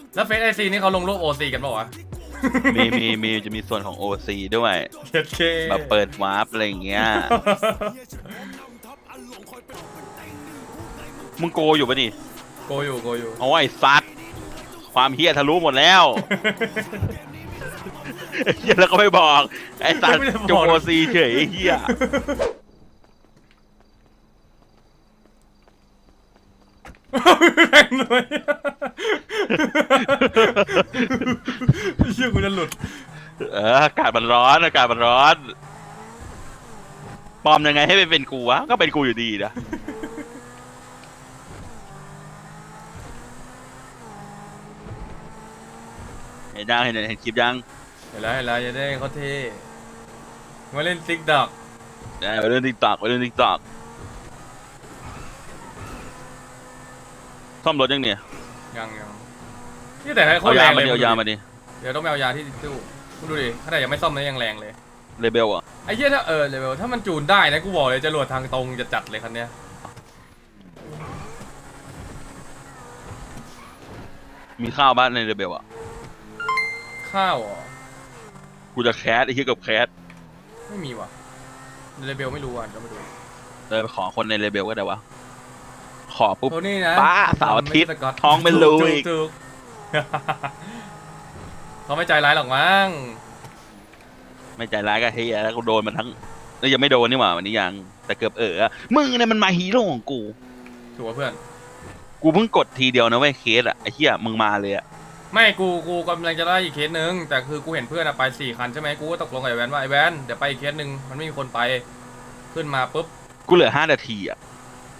แล้วเฟซไอซีนี่เขาลงรูปโอซีกันเปล่าวะมีจะมีส่วนของ OC ด้วยเจ็ดเคแบบเปิดวาร์ปอะไรอย่างเงี้ยมึงโกอยู่ปะนี่โกอยู่โกอยู่โอ้ยซัดความเฮียทะลุหมดแล้ว เฮียแล้วก็ไม่บอกไอ้สัตว์จง OC เฉยไอ้เฮียแรงหน่อยเชื่อกูจะหลุดอากาศมันร้อนอากาศมันร้อนปลอมยังไงให้เป็นกูวะก็เป็นกูอยู่ดีนะเห็นยังเห็นคลิปยังเห็นแล้วจะได้เขาเท่มาเล่นติ๊กดอกไปเล่นติ๊กตอกซ่อมรถยังเนี่ยยังนี่แต่เขาเอาแรยาง มาเลยดิเอายามาดิเดี๋ยวต้องไปเอายาที่ตู้มึงดูดิขนาดยังไม่ซ่อมนะยังแรงเลยเลเบลอ่ะไอ้เหี้ยถ้าเลเวลถ้ามันจูนได้นะกูบอกเลยจรวดทางตรงจะจัดเลยคันเนี้ยมีข้าวบ้านในเลเบลอ่ะข้าวอ๋อกูจะแคสไอ้เหี้ยกับแคสไม่มีว่ะเลเวลไม่รู้อ่ะก็ไม่ดูเลยไปขอคนในเลเบลก็ได้วะขอปุ๊บโทนี่นะป้าเสาร์อาทิตย์ไม่ใช่สก๊ตท้องเป็นรูอีกถูก เขาไม่ใจร้ายหรอกมั้งไม่ใจร้ายก็เฮียแล้วกูโดนมันทั้งแล้วยังไม่โดนนี่หว่าวันนี้ยังแต่เกือบมึงเนี่ยมันมาฮีโร่ของกูถูกป่ะเพื่อนกูเพิ่งกดทีเดียวนะเว้ยเคสอ่ะไอ้เหี้ยมึงมาเลยอ่ะไม่กูกำลังจะได้อีกเคสนึงแต่คือกูเห็นเพื่อนอะไป4 คันใช่ไหมกูก็ตกลงกับไอ้แวนว่าไอ้แวนเดี๋ยวไปอีกเคสนึงมันไม่มีคนไปขึ้นมาปุ๊บกูเหลือ5 นาทีอ่ะ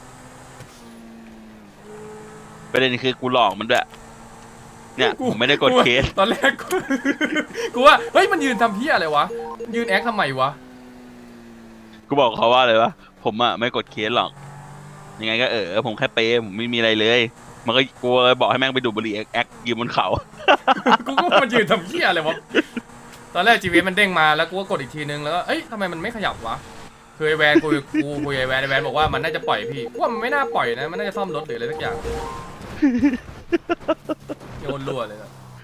ประเด็นคือกูหลอกมันด้วยเนี่ยผมไม่ได้กดเคสตอนแรกกูว่าเฮ้ยมันยืนทำเพี้ยอะไรวะยืนแอคทำไมวะกูบอกเขาว่าเลยวะผมอ่ะไม่กดเคสหรอกยังไงก็ผมแค่เปย์ผมไม่มีอะไรเลยมันก็กูเลยบอกให้แม่งไปดูดบุหรี่แอคยืนบนเขากูก็มันยืนทำเพี้ยอะไรวะตอนแรกจีวีมันเด้งมาแล้วกูก็กดอีกทีนึงแล้วก็เอ้ยทำไมมันไม่ขยับวะคือไอแวนกูคุยไอแวนบอกว่ามันน่าจะปล่อยพี่ว่ามันไม่น่าปล่อยนะมันน่าจะซ่อมรถหรืออะไรสักอย่างโยนรั่วเลยอะ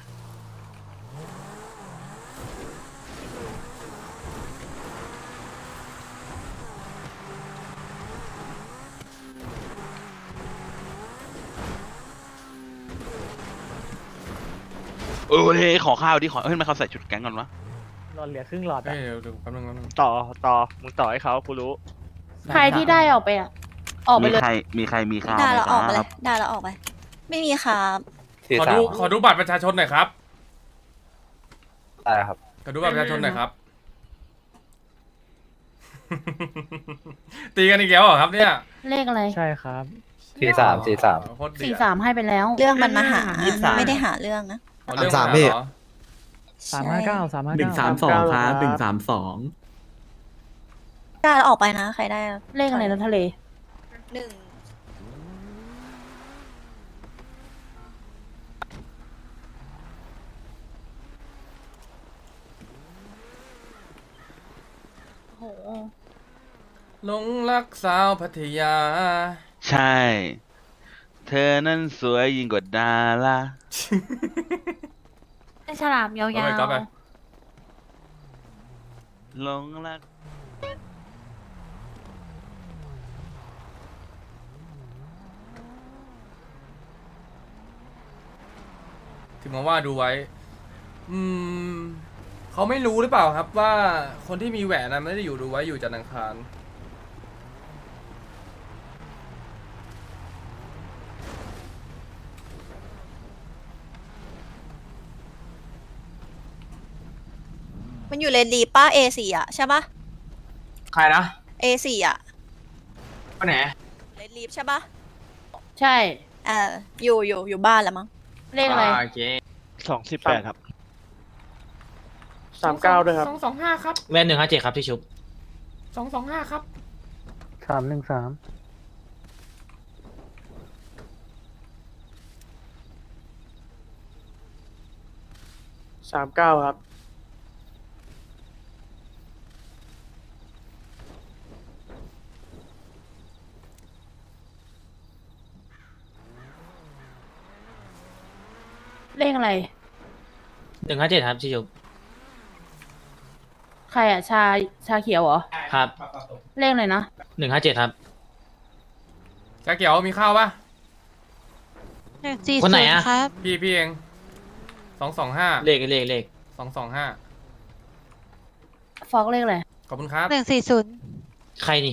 เฮ้ยขอข้าวดิขอมันเขาใส่ชุดแก๊งก่อนวะหลอดเหลือครึ่งหลอดเอ้อะยเดี๋ยวแป๊บนึงต่อมึงต่อให้เขากูรู้ใครที่ได้ออกไปอ่ะ ออกไปเลยมีใครมีข้าวได้ไหมแล้วคออกไปเลรับยได้แล้วออกไป ไม่มีครับขอดูบัตรประชาชนหน่อยครับได้ครับขอดูบัตรประชาชนหน่อยครับ ตีกันอีกแล้วเหรอครับเนี่ยเลขอะไรใช่ครับ 43 โคตรเดือด 43 ให้ไปแล้วเรื่องมันมาหา 23 ไม่ได้หาเรื่องนะเอาเรื่องสามมาพี่เหรอ 359 132ครับ132 ได้แล้วออกไปนะ ใครได้เลขอะไรนะทะเลหนึ่งโหหลงรักสาวพัทยาใช่ เธอนั้นสวยยิ่งกว่าดาราไอฉลามยาวเอาไปก๊อปไปหลงรักถึงมาว่าดูไว้ เขาไม่รู้หรือเปล่าครับว่าคนที่มีแหวนนะไม่ได้อยู่ดูไว้อยู่จันทร์อังคารมันอยู่เลนดีป้า A4 อ่ะใช่ปะใครนะ A4 อ่ะคนไหนเลนลีฟใช่ปะใช่อยู่บ้านแล้วมั้งเลขอะไรโอเค 218ครับ39ด้วยครับ 225 ครับแว่น157ครับที่ชุบ 225 ครับ 313 39ครับเลขอะไร 157ครับพี่ชุบใครอ่ะ ชาเขียวเหรอครับเลขอะไรนะ 157ครับชาเขียวมีข้าวปะคนไหนอะครับพี่เอง225 เลข 225 ฟอกเลขอะไรขอบคุณครับใครนี่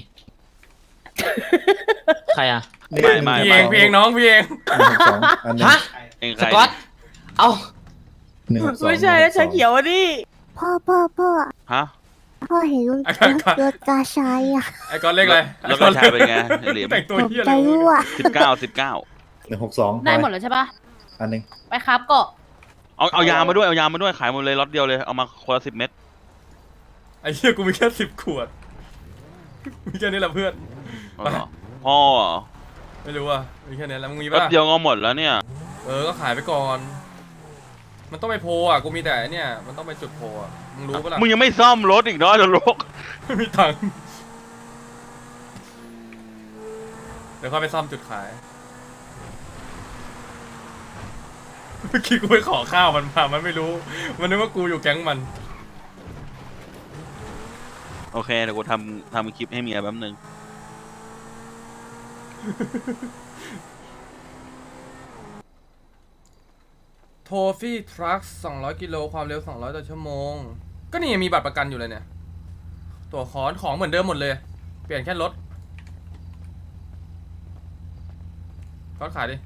ใครอะไม่พี่เองน้องพี่เอง 162อันหนึ่งฮะเองใคสรกอต เอ้า 162 ไม่ใช่แล้วชาเขียวอ่ะดิพ่อฮะพ่อเห็นรถกาชายอ่ะไอ้ก้อนเลขอะไรแล้วก็ชายเป็นไงไอ้เหลี่ยมแต่งตัวผมเหี้ยจะเลยรู้อ่ะ 19 162 ได้หมดแล้วใช่ปะอันหนึ่งไปครับเกาะเอายามาด้วยเอายามาด้วยขายหมดเลยล็อตเดียวเลยเอามาคนละ10 เม็ดไอ้เหี้ยกูมีแค่10 ขวด มีแค่นี้แหละเพื่อนเอาเหรอพ่อไม่รู้อ่ะมีแค่นี้แล้วมึงมีล็อตปะเดียวก็หมดแล้วเนี่ยก็ขายไปก่อน มันต้องไปโพลอ่ะกูมีแต่ไอ้เนี่ยมันต้องไปจุดโพลอ่ะมึงรู้ปะล่ะมึงยังไม่ซ่อมรถอีกเนาะเดี๋ยวรกไม่มีตังค์เดี๋ยวค่อยไปซ่อมจุดขายเมื่อกี้กูไปขอข้าวมันมามันไม่รู้ มันนึกว่ากูอยู่แก๊งมันโอเคเดี๋ยวกูทำคลิปให้เมียแป๊บนึงโทฟี่ทรัค200 กิโลความเร็ว200 ต่อชั่วโมง ก็นี่ยังมีบัตรประกันอยู่เลยเนี่ย ตัวคอนของเหมือนเดิมหมดเลย เปลี่ยนแค่รถก็ขายดิ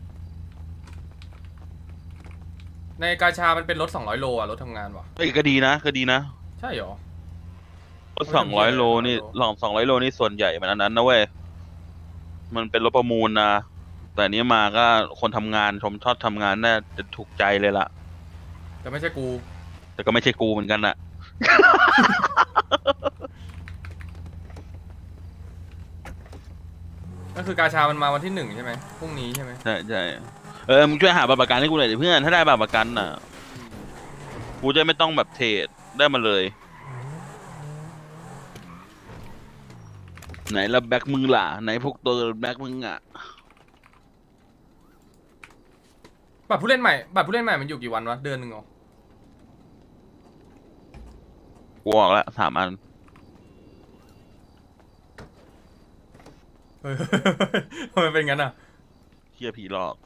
ในกาชามันเป็นรถ200 โลอ่ะ รถทำงานว่ะเอ้ยก็ดีนะก็ดีนะใช่เหรอรถ200 โลนี่200 โลนี่ส่วนใหญ่มันอันนั้นนะเว้ยมันเป็นรถประมูลนะแต่อันนี้มาก็คนทำงานชมชอบทำงานน่าจะถูกใจเลยล่ะแต่ไม่ใช่กูแต่ก็ไม่ใช่กูเหมือนกันน่ะก็คือกาชามันมาวันที่1ใช่ไหมพรุ่งนี้ใช่ไหมใช่ใช่มึงช่วยหาบัตรประกันให้กูหน่อยดิเพื่อนถ้าได้บัตรประกันน่ะกูจะไม่ต้องแบบเทรดได้มาเลย ไหนละแบ็คมึงล่ะไหนพวกตัวแบ็คมึงอ่ะบัตรผู้เล่นใหม่มันอยู่กี่วันวะ เดือนหนึ่งเหรอกูออกแล้ว3 อันเฮ้ย ทำไมเป็นงั้นอ่ะเฮียผีหลอก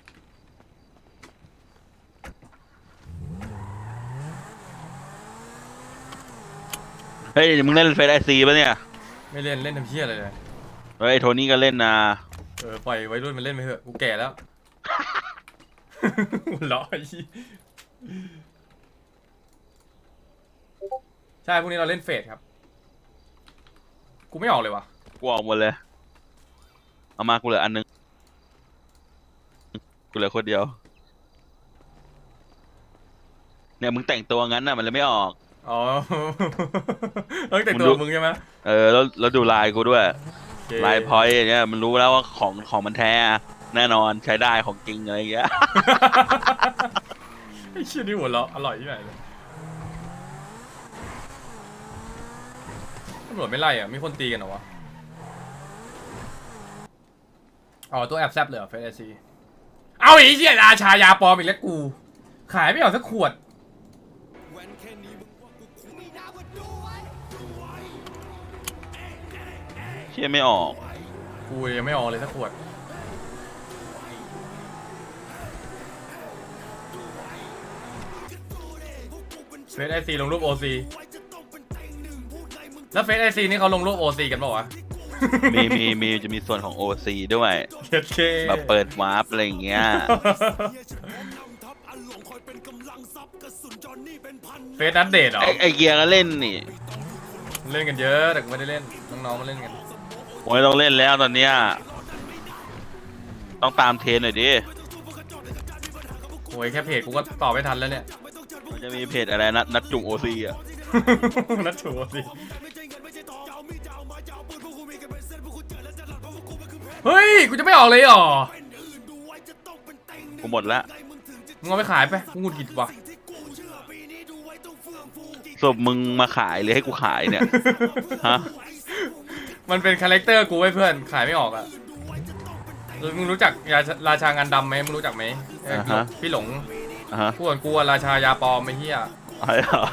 เฮ้ยมึงเล่นเฟซไอซีป่ะเนี่ยไม่เล่นเล่นทำเพี้ยอะไรเลยเฮ้ยโทนี่ก็เล่นนะปล่อยวัยรุ่นมันเล่นไปเถอะ กูแก่แล้ว หัวเราะไอ้เหี้ยใช่พรุ่งนี้เราเล่นเฟสครับ กูไม่ออกเลยวะกูออกหมดเลยเอามากูเหลืออันนึงกูเหลือคนเดียวเนี่ยมึงแต่งตัวงั้นน่ะมันเลยไม่ออกอ๋อ ต้องแต่งตัวมึงใช่ไหมแล้วดูลายกูด้วยโอเคลายพอยต์เนี่ยมันรู้แล้วว่าของมันแท้แน่นอนใช้ได้ของจริงอะไรอย่างเงี้ยไอ้เชี่ยนี่หัวเราะอร่อยที่ไหนเลยตำรวจไม่ไล่อ่ะ มีคนตีกันเหรอวะ อ๋อ ตัวแอบแซบเลยเหรอเฟสซีเอาไอ้เชี่ยราชายาปลอมอีกแล้วกู ขายไม่ออกสักขวดเชี่ยไม่ออกกูยังไม่ออกเลยสักขวด เฟสไอซีลงรูปโอซีแล้วเฟสไอซีนี่เขาลงรูปโอซีกันเปล่าวะมีจะมีส่วนของ OC ด้วยเจ็ดเคแบบเปิดวาร์ปอะไรอย่างเงี้ยเฟสนัดเดทเหรอไอเกียร์ก็เล่นนี่เล่นกันเยอะแต่กูไม่ได้เล่น น้องๆมาเล่นกันผมไม่ต้องเล่นแล้วตอนเนี้ยต้องตามเทรนหน่อยดิโอ้ยแค่เพจกูก็ตอบไม่ทันแล้วเนี่ยมันจะมีเพจอะไรนัดจุ่ม OC อ่ะนัดถูกสิเฮ้ย กูจะไม่ออกเลยเหรอกูหมดละมึงเอาไปขายไปกูหงุดหงิดว่ะศพมึงมาขายหรือให้กูขายเนี่ย ฮะมันเป็นคาแรคเตอร์กูไว้เพื่อน ขายไม่ออกอ่ะ มึงรู้จักราชางานดำไหมมึงรู้จักไหมอ่าฮะพี่หลงฮะกูเหมือนกูอะราชายาปลอมไอ้เหี้ยอะไรเหรอ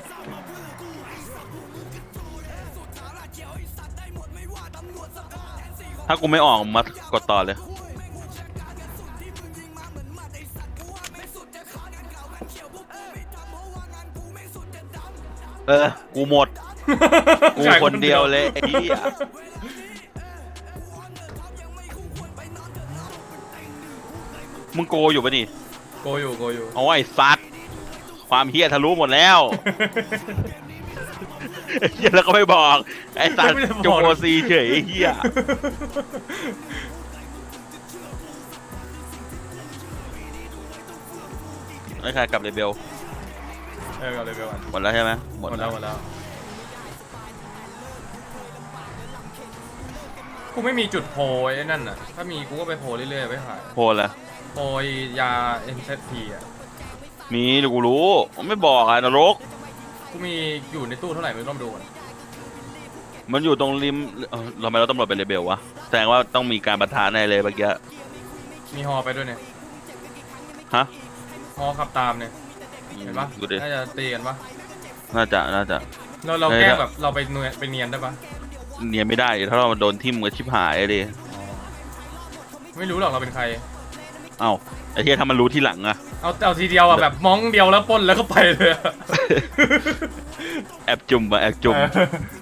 ถ้ากูไม่ออกมากดต่อเลย กูหมด กูคนเดียวเลยไอ้เหี้ยมึงโกอยู่ปะนี่โกอยู่เอาไอ้ซัดความเฮี้ยทะลุหมดแล้ว เฮี้ยแล้วก็ไม่บอก ไอ้ซัดจงโอซีเฉยไอ้เฮี้ยไอ้ใครกลับเลเบลเอาเลยไปก่อนหมดแล้วใช่ไหมหมดแล้วกูไม่มีจุดโพยไอ้นั่นน่ะถ้ามีกูก็ไปโพยเรื่อยๆไปขายโพลละโพยยา MZP อ่ะมีเดี๋ยวกูรู้ไม่บอกอะนรกกูมีอยู่ในตู้เท่าไหร่ไม่ต้องดูก่อนมันอยู่ตรงริมทำไมเราตำรวจไปเลเบลวะแสดงว่าต้องมีการปะทะในเลยเมื่อกี้มีฮอไปด้วยเนี่ยฮะฮอขับตามเนี่ยเห็นปะดูดิน่าจะตีกันปะน่าจะเราแกล้งแบบเราไปเนียนได้ปะเนียนไม่ได้ถ้าเราโดนทิ่มก็ชิบหายเลยไม่รู้หรอกเราเป็นใครเอ้าไอ้เหี้ยถ้ามันรู้ที่หลังอะเอาทีเดียวอ่ะแบบมองเดียวแล้วปล้นแล้วก็ไปเลยอะแอบจุ่มอะแอบจุ่มเออ